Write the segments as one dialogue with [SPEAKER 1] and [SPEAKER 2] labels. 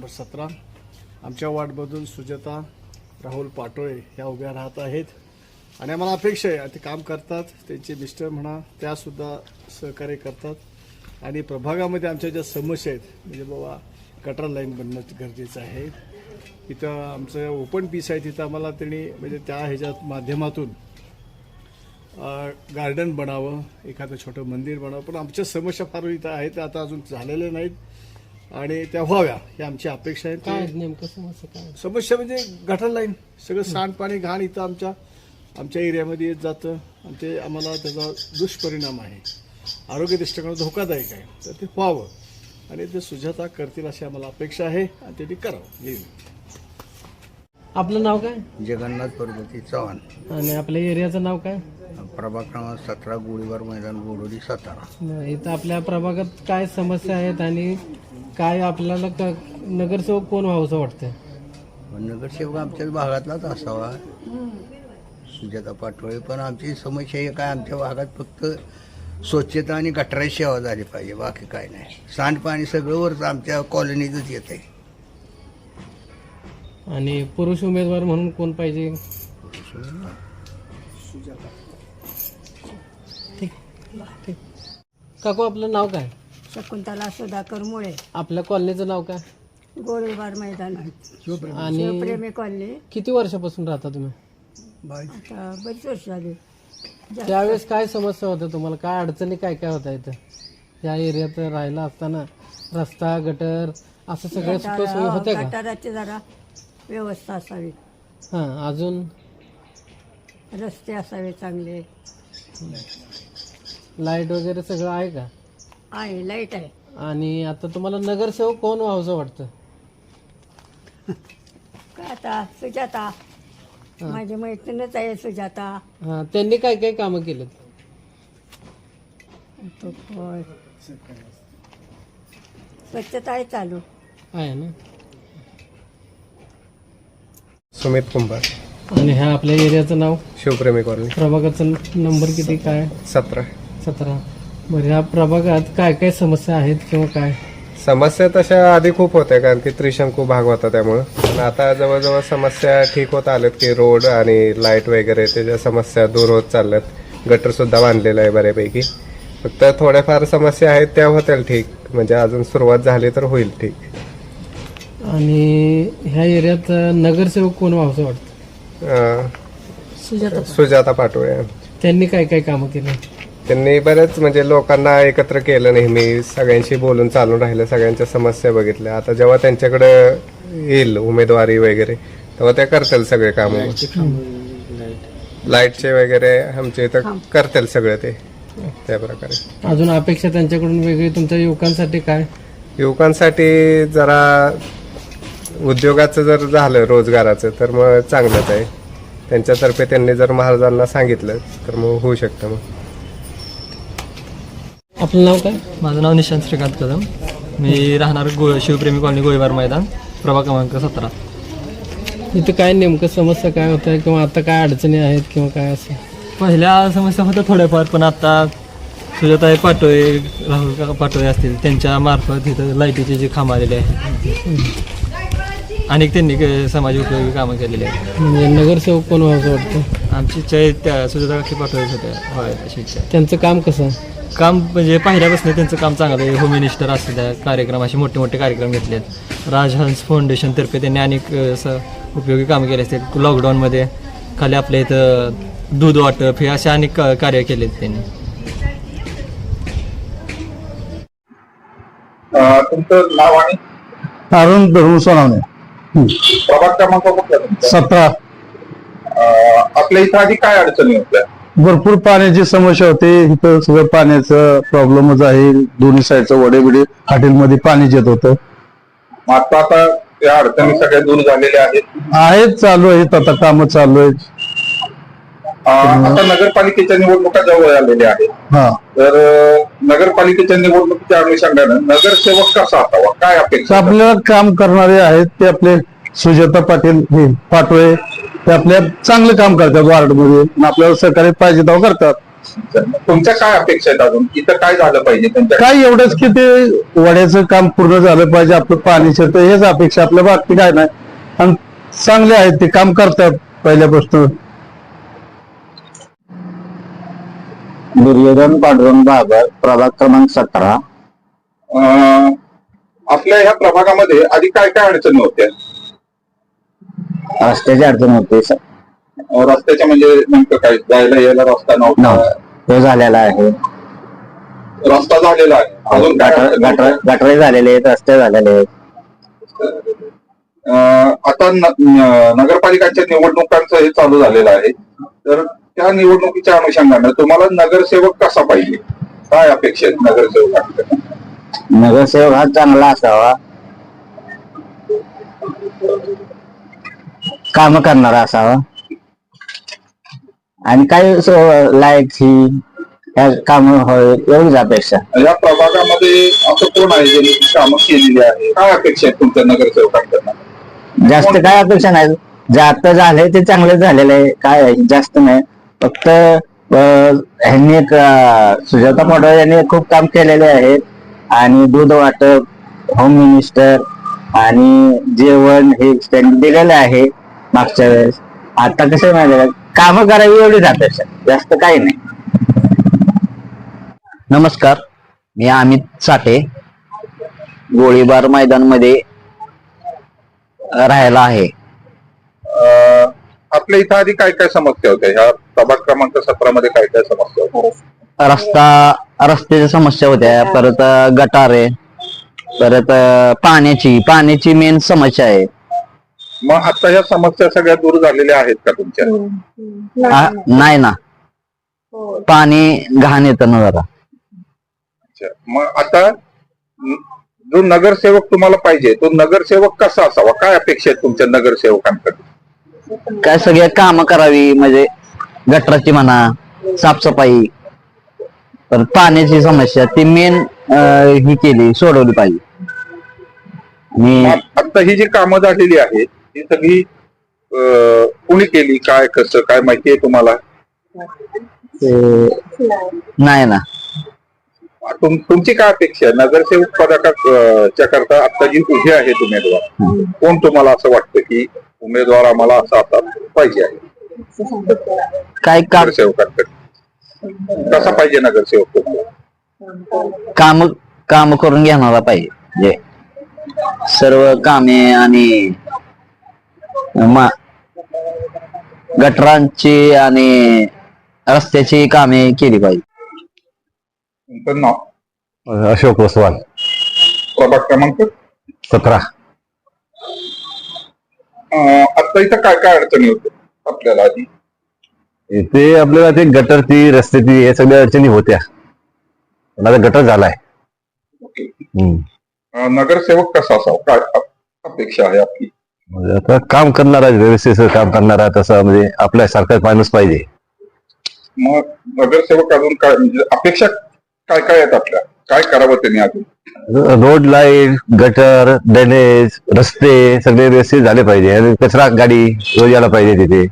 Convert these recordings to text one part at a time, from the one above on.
[SPEAKER 1] Number 17. आमच्या वार्डमधून सुजाता राहुल पाटोळे ह्या उभ्या राहत आहेत आणि आम्हाला अपेक्षा आहे ते काम करतात. त्यांचे मिस्टर म्हणा त्यासुद्धा सहकार्य करतात आणि प्रभागामध्ये आमच्या ज्या समस्या आहेत म्हणजे बाबा गटर लाईन बनणं गरजेचं आहे. इथं आमचं ओपन पीस आहे तिथं आम्हाला त्यांनी म्हणजे त्या ह्याच्यात माध्यमातून गार्डन बनावं, एखादं छोटं मंदिर बनावं. पण आमच्या समस्या फार इथं आहेत आता अजून झालेल्या नाहीत आणि त्या व्हाव्या ही आमची अपेक्षा आहे.
[SPEAKER 2] काय नेमकं
[SPEAKER 1] समस्या म्हणजे गटर लाईन सगळं सांडपाणी घाण इथं आमच्या एरियामध्ये येत जातं आणि ते आम्हाला त्याचा दुष्परिणाम आहे, आरोग्य दृष्टिकोनात धोकादायक आहे. तर ते व्हावं आणि ते सुजाता करतील अशी आम्हाला अपेक्षा आहे आणि त्यांनी करावं. येईल.
[SPEAKER 2] आपलं नाव काय?
[SPEAKER 3] जगन्नाथ पर्वती चव्हाण.
[SPEAKER 2] आणि आपल्या एरियाचं नाव काय?
[SPEAKER 3] प्रभाग क्रमांक 17, गोळीबार मैदान, गोडोली, सातारा.
[SPEAKER 2] इथं आपल्या प्रभागात काय समस्या आहेत आणि काय आपल्याला नगरसेवक कोण व्हावंसं वाटतं?
[SPEAKER 3] नगरसेवक आमच्याच भागातलाच असावा, सुजाता पाटोळे. पण आमची समस्या ही काय, आमच्या भागात फक्त स्वच्छता आणि गटाराची सेवा झाली पाहिजे, बाकी काय नाही. सांडपाणी सगळं वरच आमच्या कॉलनीतच येत आहे.
[SPEAKER 2] आणि पुरुष उमेदवार म्हणून कोण पाहिजे? ठीक. काकू आपलं नाव काय?
[SPEAKER 4] शकुंतला सुधाकर मुळे.
[SPEAKER 2] आपल्या कॉलनीचं नाव काय?
[SPEAKER 4] गोळीबार मैदान
[SPEAKER 2] आणि
[SPEAKER 4] शिवप्रेमी कॉलनी.
[SPEAKER 2] किती वर्षापासून राहता तुम्ही?
[SPEAKER 4] आता बरीच वर्ष झाली.
[SPEAKER 2] त्यावेळेस काय समस्या होत्या तुम्हाला? काय अडचणी काय काय होत्या इथं या एरियात राहायला असताना? रस्ता, गटर असं सगळ्या सोयी होत्या का?
[SPEAKER 4] गटाराची जरा व्यवस्था असावी,
[SPEAKER 2] हां. अजून
[SPEAKER 4] रस्ते असावे चांगले.
[SPEAKER 2] लाईट वगैरे सगळं आहे का?
[SPEAKER 4] आहे, लाईट आहे.
[SPEAKER 2] आणि आता तुम्हाला नगरसेवक कोण व्हावंसं वाटतं?
[SPEAKER 4] काय आता सुजाता, माझी मैत्रीणच आहे सुजाता.
[SPEAKER 2] हां. त्यांनी काय काय कामं केलेत?
[SPEAKER 4] होय. स्वच्छता आहे चालू.
[SPEAKER 2] आहे ना.
[SPEAKER 5] सुमित कुंभार.
[SPEAKER 2] आणि ह्या आपल्या एरियाचं नाव?
[SPEAKER 5] शिवप्रेमी कॉलनी.
[SPEAKER 2] प्रभागाचा नंबर किती काय?
[SPEAKER 5] 17.
[SPEAKER 2] 17. बरं, ह्या प्रभागात काय काय समस्या आहेत किंवा काय?
[SPEAKER 5] समस्या तशा आधी खूप होत्या कारण की त्रिशंकू भाग होता त्यामुळं. पण आता जवळजवळ समस्या ठीक होत आल्यात की रोड आणि लाईट वगैरे त्याच्या समस्या दूर होत चालल्यात. गटर सुद्धा बांधलेलं आहे बऱ्यापैकी. फक्त थोड्याफार समस्या आहेत त्या होतील ठीक, म्हणजे अजून सुरुवात झाली तर होईल ठीक.
[SPEAKER 2] आणि ह्या एरियात नगरसेवक कोण व्हावंसं वाटतं?
[SPEAKER 5] सुजाता पाटोळे.
[SPEAKER 2] त्यांनी काय काय कामं केली?
[SPEAKER 5] त्यांनी बरेच म्हणजे लोकांना एकत्र केलं, नेहमी सगळ्यांशी बोलून चालून राहिलं, सगळ्यांच्या समस्या बघितल्या. आता जेव्हा त्यांच्याकडे येईल उमेदवारी वगैरे तेव्हा ते करतील सगळे काम. लाईटचे वगैरे आमचे इथं करतील सगळे ते त्या प्रकारे.
[SPEAKER 2] अजून अपेक्षा त्यांच्याकडून वेगळी तुमच्या युवकांसाठी काय?
[SPEAKER 5] युवकांसाठी जरा उद्योगाचं जर झालं, रोजगाराचं, तर मग चांगलंच आहे. त्यांच्यातर्फे त्यांनी जर महाराजांना सांगितलं तर मग होऊ शकतं. मग
[SPEAKER 2] आपलं नाव काय?
[SPEAKER 6] माझं नाव निशांत श्रीकांत कदम. मी राहणार शिवप्रेमी कॉलनी, गोळीबार मैदान, प्रभाग क्रमांक 17.
[SPEAKER 2] इथं काय नेमकं समस्या काय होत आहे किंवा आता काय अडचणी आहेत किंवा काय असं?
[SPEAKER 6] पहिल्या समस्या होत्या थोड्याफार, पण आता सुजाता पाटोळे, राहुल पाटोळे असतील त्यांच्या मार्फत इथं लाईटीचे जे खांब आलेले आहेत, अनेक त्यांनी समाज उपयोगी कामं केलेली आहेत.
[SPEAKER 2] म्हणजे नगरसेवक कोण व्हावंसं वाटतं?
[SPEAKER 6] आमची इच्छा आहे त्या सुजाता पाटोळेच होत्या होय अशी इच्छा.
[SPEAKER 2] त्यांचं काम कसं?
[SPEAKER 6] काम म्हणजे पहिल्यापासून त्यांचं काम चांगलं आहे. होम मिनिस्टर असतील, त्या कार्यक्रम असे मोठे मोठे कार्यक्रम घेतले आहेत. राजहंस फाउंडेशनतर्फे त्यांनी अनेक असं उपयोगी कामं केले असतील. लॉकडाऊनमध्ये खाली आपल्या इथं दूध वाटप हे असे अनेक कार्य केले आहेत त्यांनी.
[SPEAKER 7] तुमचं नाव आणि?
[SPEAKER 8] अरुण धरून सोनावणे.
[SPEAKER 7] प्रभाग क्रमांक कुठला तुमचा?
[SPEAKER 8] 17.
[SPEAKER 7] आपल्या इथं आधी काय अडचणी होत्या?
[SPEAKER 8] भरपूर पाण्याची समस्या होते इथं. सगळं पाण्याचं प्रॉब्लेमच आहे. दोन्ही साईडचं वडेबिडे हॉटेलमध्ये पाणी येत होतं.
[SPEAKER 7] आता त्या अडचणी सगळ्या दूर झालेल्या
[SPEAKER 8] आहेत, चालू आहेत, आता कामं चालू आहेत.
[SPEAKER 7] आता नगरपालिकेच्या निवडणुका जवळ आलेल्या आहेत.
[SPEAKER 8] हा,
[SPEAKER 7] तर नगरपालिकेच्या निवडणुकीच्या अनुषंगानं नगरसेवक कसा असावा, काय अपेक्षा?
[SPEAKER 8] आपल्याला काम करणारे आहेत ते आपले सुजाता पाटोळे. ते आपल्या चांगलं काम करतात वार्डमध्ये, आपल्याला सहकार्य पाहिजे तेव्हा करतात.
[SPEAKER 7] तुमच्या काय अपेक्षा आहेत अजून इथं काय झालं पाहिजे त्यांच्या
[SPEAKER 8] काय एवढंच की ते वड्याचं काम पूर्ण झालं पाहिजे, आपलं पाणी शिरतं हेच अपेक्षा, आपल्या बाकी काय नाही. आणि चांगले आहेत ते, काम करतात पहिल्यापासून.
[SPEAKER 9] दुर्योधन पांडुरंग बाबर, प्रभाग क्रमांक 17.
[SPEAKER 7] आपल्या ह्या प्रभागामध्ये आधी काय काय अडचणी होत्या?
[SPEAKER 9] रस्त्याची अडचण होते
[SPEAKER 7] रस्त्याच्या म्हणजे नेमकं काय, जायला यायला रस्ता नव्हता?
[SPEAKER 9] तो झालेला आहे.
[SPEAKER 7] रस्ता झालेला आहे, अजून काय अडचणी होत्या?
[SPEAKER 9] गटरे झालेले आहेत, रस्ते झालेले आहेत.
[SPEAKER 7] आता नगरपालिकांच्या निवडणुकांचं हे चालू झालेलं आहे, तर त्या निवडणुकीच्या अनुषंगाने तुम्हाला नगरसेवक कसा पाहिजे, काय अपेक्षा आहेत नगरसेवकांकडे?
[SPEAKER 9] नगरसेवक हा चांगला असावा, काम करणारा असावा, आणि काय लाईट ही काम एवढीच अपेक्षा.
[SPEAKER 7] या प्रभागामध्ये असं कोण आहे ज्यांनी कामं केलेली आहे, काय अपेक्षा आहेत तुमच्या नगरसेवकांकडनं?
[SPEAKER 9] जास्त काय अपेक्षा नाही, जे आता झालंय ते चांगलं झालेलं आहे, काय जास्त नाही. फक्त ह्यांनी एक सुजाता पाटोळे यांनी खूप काम केलेले आहेत, आणि दूध वाटप, होम मिनिस्टर आणि जेवण हे त्यांनी दिलेलं आहे मागच्या वेळेस. आता कसं माहिती कामं करावी एवढीच अपेक्षा, जास्त काही नाही. नमस्कार, मी अमित साठे, गोळीबार मैदानमध्ये राहायला आहे.
[SPEAKER 7] आपल्या इथं आधी काय काय समस्या होत्या? ह्या प्रभाग क्रमांक 17 मध्ये काय काय समस्या होत्या?
[SPEAKER 9] रस्त्याच्या समस्या होत्या, परत गटारे, परत पाण्याची मेन समस्या आहे.
[SPEAKER 7] मग आता ह्या समस्या सगळ्या दूर झालेल्या आहेत का तुमच्या?
[SPEAKER 9] नाही ना, पाणी घाण येतं ना जरा.
[SPEAKER 7] मग आता जो नगरसेवक तुम्हाला पाहिजे तो नगरसेवक कसा असावा, काय अपेक्षा आहेत तुमच्या नगरसेवकांकडे?
[SPEAKER 9] काय सगळ्या कामं करावी, म्हणजे गटराची म्हणा, साफसफाई, परत पाण्याची समस्या ती मेन ही सोडवली पाहिजे.
[SPEAKER 7] आता ही जी कामं झालेली आहेत ही सगळी कुणी केली, काय कसं काय माहिती आहे तुम्हाला?
[SPEAKER 9] नाही ना.
[SPEAKER 7] तुमची काय अपेक्षा आहे नगरसेवक पदाच्या करता? आता जी उभे आहेत उमेदवार, कोण तुम्हाला असं वाटतं की उमेदवार आम्हाला असा पाहिजे आहे
[SPEAKER 9] काय
[SPEAKER 7] नगरसेवकांकडे? कसा पाहिजे नगरसेवक तुम्हाला?
[SPEAKER 9] काम करून घेणारा पाहिजे, सर्व कामे आणि गटरांची आणि रस्त्याची कामे केली पाहिजे.
[SPEAKER 7] तुमचं नाव?
[SPEAKER 8] अशोक वसवाल,
[SPEAKER 7] प्रभाग क्रमांक
[SPEAKER 8] 17.
[SPEAKER 7] आता इथं काय काय अडचणी होत्या आपल्याला आधी?
[SPEAKER 8] इथे आपल्याला ते गटरची, रस्त्याची या सगळ्या अडचणी होत्या, पण आता गटर झालाय.
[SPEAKER 7] नगरसेवक कसा असावा, काय अपेक्षा आहे आपली?
[SPEAKER 8] म्हणजे आता काम करणारा, व्यवस्थित काम करणारा तसा, म्हणजे आपल्यासारखा माणूस पाहिजे.
[SPEAKER 7] मग नगरसेवक अजून काय म्हणजे अपेक्षा काय काय आहेत आपल्या, काय करावं त्यांनी अजून?
[SPEAKER 8] रोड, लाईट, गटर, ड्रेनेज, रस्ते सगळे व्यवस्थित झाले पाहिजे, आणि कचरा गाडी रोज यायला पाहिजे तिथे.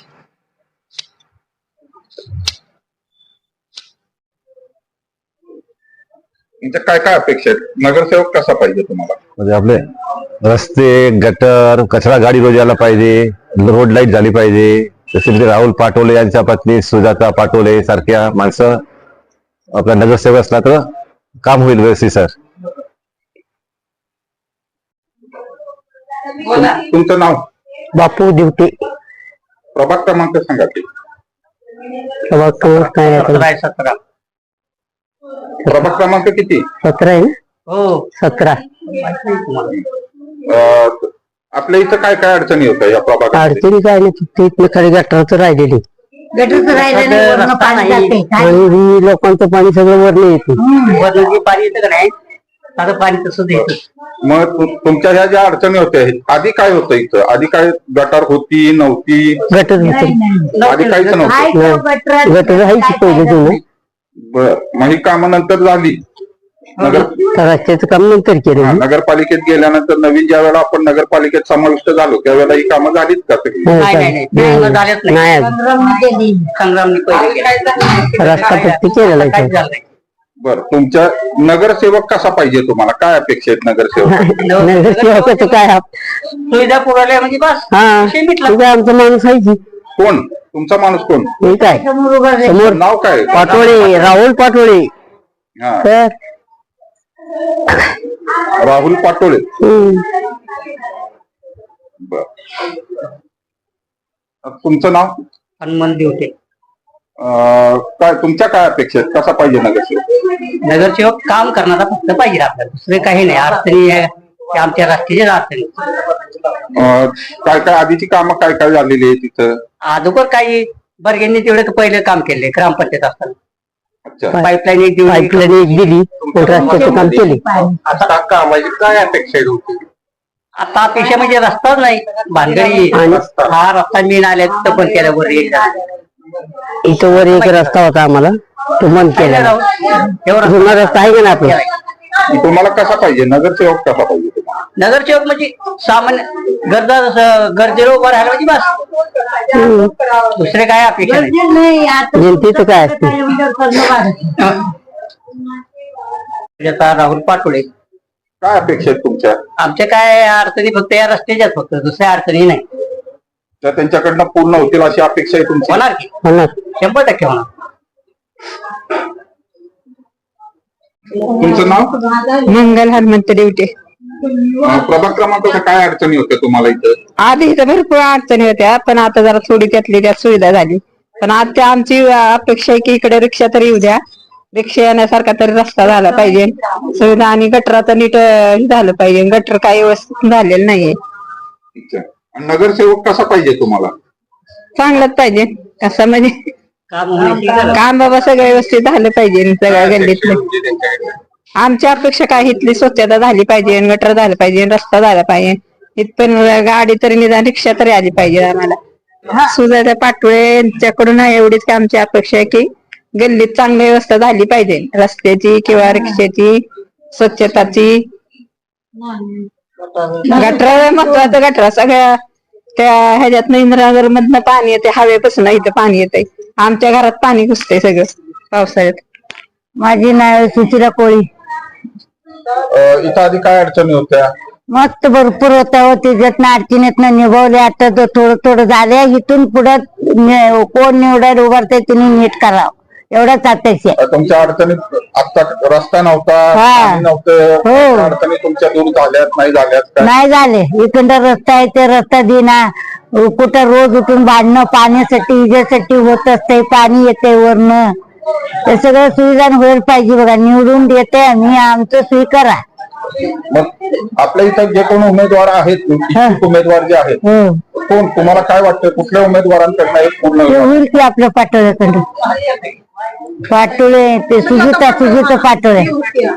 [SPEAKER 7] म्हणजे काय काय अपेक्षा आहेत? नगरसेवक कसा पाहिजे तुम्हाला?
[SPEAKER 8] म्हणजे आपले रस्ते, गटर, कचरा गाडी रोज यायला पाहिजे, रोड लाईट झाली पाहिजे. जसे म्हणजे राहुल पाटोले यांच्या पत्नी सुजाता पाटोले सारख्या माणसं आपला नगरसेवक असला तर काम होईल व्यवस्थित. सर,
[SPEAKER 7] तुमचं नाव?
[SPEAKER 9] बापू ड्युटी,
[SPEAKER 7] प्रभाग क्रमांक सांगा की. प्रभाग क्रमांक किती?
[SPEAKER 9] 17 आहे. हो, 17.
[SPEAKER 7] आपल्या इथं काय काय अडचणी होत्या या प्रभागात?
[SPEAKER 9] अडचणी काय नाही, फक्त इथलं खाली गटराचं राहिलेली, आणि लोकांचं पाणी सगळं वरनं येते. पाणी येतं का नाही, आता पाणी तसंच येतं.
[SPEAKER 7] मग तुमच्या ह्या ज्या अडचणी होत्या आधी काय होतं इथं? आधी काय गटार होती नव्हती?
[SPEAKER 9] गटर होतं,
[SPEAKER 7] आधी काहीच नव्हतं.
[SPEAKER 9] गटर आहे पहिले जुनं.
[SPEAKER 7] बर, मग ही कामं नंतर झाली. नगर
[SPEAKER 9] रस्त्याचं काम नंतर केलं
[SPEAKER 7] हा, नगरपालिकेत गेल्यानंतर नवीन ज्या वेळेला आपण नगरपालिकेत समाविष्ट झालो त्यावेळेला ही कामं झालीत का सगळी?
[SPEAKER 9] रस्ता पट्टी केलेला आहे.
[SPEAKER 7] बरं, तुमच्या नगरसेवक कसा पाहिजे तुम्हाला? काय अपेक्षा आहेत नगरसेवक?
[SPEAKER 9] नगरसेवकाचं काय
[SPEAKER 10] सुविधा पुरवल्या म्हणजे बस
[SPEAKER 9] हा तुझा आमचा माणूस आहे की
[SPEAKER 7] कोण तुमचा माणूस कोण?
[SPEAKER 9] ठीक आहे समोर
[SPEAKER 7] नाव काय?
[SPEAKER 9] पाटोळे राहुल पाटोळे
[SPEAKER 7] हा,
[SPEAKER 9] तर
[SPEAKER 7] राहुल पाटोळे. बर, तुमचं नाव?
[SPEAKER 10] हनुमान देवते.
[SPEAKER 7] काय तुमच्या काय अपेक्षा आहेत? कसा पाहिजे नगरसेवक?
[SPEAKER 10] नगरसेवक काम करणारा फक्त पाहिजे आपल्याला, दुसरे काही नाही. अडचणी आहे ते आमच्या राष्ट्रीय अडचणी.
[SPEAKER 7] काय काय आधीची कामं काय काय झालेली आहे तिथं?
[SPEAKER 10] अगोदर काही बर्गेंनी तेवढे पहिले काम केले ग्रामपंचायत असताना.
[SPEAKER 7] अच्छा,
[SPEAKER 10] पाईपलाईन एक दिवस
[SPEAKER 9] पाईपलाईन एक दिली रस्त्याचं काम केले
[SPEAKER 7] आता कामाची काय अपेक्षा आहे तुमची?
[SPEAKER 10] आता अपेक्षा म्हणजे रस्ताच नाही, भानगडी. हा रस्ता मी आल्या तिथं पण केला वर
[SPEAKER 9] इथं वर एक रस्ता होता आम्हाला तो बंद केला जुना रस्ता आहे का ना आपला
[SPEAKER 7] तुम्हाला कसा पाहिजे नगरसेवक? कसा पाहिजे तुम्हाला?
[SPEAKER 10] नगरसेवक म्हणजे सामान्य गरजेला उभं राहायला म्हणजे बस, दुसरे काय अपेक्षा नाही.
[SPEAKER 9] जनतेचं काय असते
[SPEAKER 10] आता राहुल पाटोळे.
[SPEAKER 7] काय अपेक्षा आहेत तुमच्या?
[SPEAKER 10] आमच्या काय अडचणी फक्त या रस्त्याच्याच, फक्त दुसऱ्या अडचणी नाही.
[SPEAKER 7] त्या त्यांच्याकडनं पूर्ण होतील अशी अपेक्षा आहे तुमची?
[SPEAKER 10] होणार की
[SPEAKER 9] होणार
[SPEAKER 10] 100% होणार.
[SPEAKER 7] तुमचं नाव?
[SPEAKER 11] मंगल हनुमंत देवटे.
[SPEAKER 7] प्रभाग क्रमांकाच्या काय अडचणी होत्या तुम्हाला इथं?
[SPEAKER 11] आधी इथं भरपूर अडचणी होत्या, पण आता जरा थोडी त्यात सुविधा झाली. पण आता आमची अपेक्षा आहे की इकडे रिक्षा तरी येऊ द्या, रिक्षा येण्यासारखा तरी रस्ता झाला पाहिजे, सुविधा आणि गटराचं नीट झालं पाहिजे. गटर काही व्यवस्थित झालेलं नाहीये.
[SPEAKER 7] अच्छा. आणि नगरसेवक कसा पाहिजे तुम्हाला?
[SPEAKER 11] चांगलंच पाहिजे असं म्हणजे काम बाबा सगळं व्यवस्थित झालं पाहिजे सगळ्या गल्लीतलं. आमच्या अपेक्षा काय इथली स्वच्छता झाली पाहिजे, गटर झालं पाहिजे, रस्ता झाला पाहिजे, इथपण गाडी तरी निदान रिक्षा तरी आली पाहिजे आम्हाला. सुजाता पाटोळे यांच्याकडून एवढीच की आमची अपेक्षा आहे की गल्लीत चांगली व्यवस्था झाली पाहिजे, रस्त्याची किंवा रिक्षाची, स्वच्छताची. गटर महत्वाचं, गटर सगळ्या त्या ह्याच्यात इंद्रानगर मधनं पाणी येते, हवेपासून इथं पाणी येते. आमच्या घरात पाणी घुसते सगळं पावसाळ्यात.
[SPEAKER 9] माझी नाव सुचिरा कोळी.
[SPEAKER 7] इथं आधी काय अडचणी होत्या?
[SPEAKER 9] मस्त भरपूर होत्या हो, त्याच्यातनं अडचणीतनं निभावले. आता थोडं थोडं झाले, इथून पुढे कोण निवडायला उभारते तिने नीट करावं एवढंच अपेक्षा.
[SPEAKER 7] तुमच्या अडचणीत आता रस्ता नव्हता,
[SPEAKER 9] हा.
[SPEAKER 7] पाणी नव्हतं,
[SPEAKER 9] हो.
[SPEAKER 7] त्या अडचणी तुमच्या दूर झाल्यात नाही झाल्यात का?
[SPEAKER 9] नाही झाले. इकडं रस्ता आहे ते रस्ता देना, कुठं रोज उठून भांडणं पाण्यासाठी इजासाठी होत असते, पाणी येते वरनं. ते सगळं सुविधा व्हायला पाहिजे बघा. निवडून देते आम्ही, आमचं स्वीकारा.
[SPEAKER 7] मग आपल्या इथं जे कोण उमेदवार आहेत, इच्छुक उमेदवार जे आहेत, कोण तुम्हाला काय वाटतं कुठल्या उमेदवारांकडनं हे पूर्ण
[SPEAKER 9] ते होईल की आपल्या पाटोळ्याकडे पाटोळे ते सुजिता पाटोळे.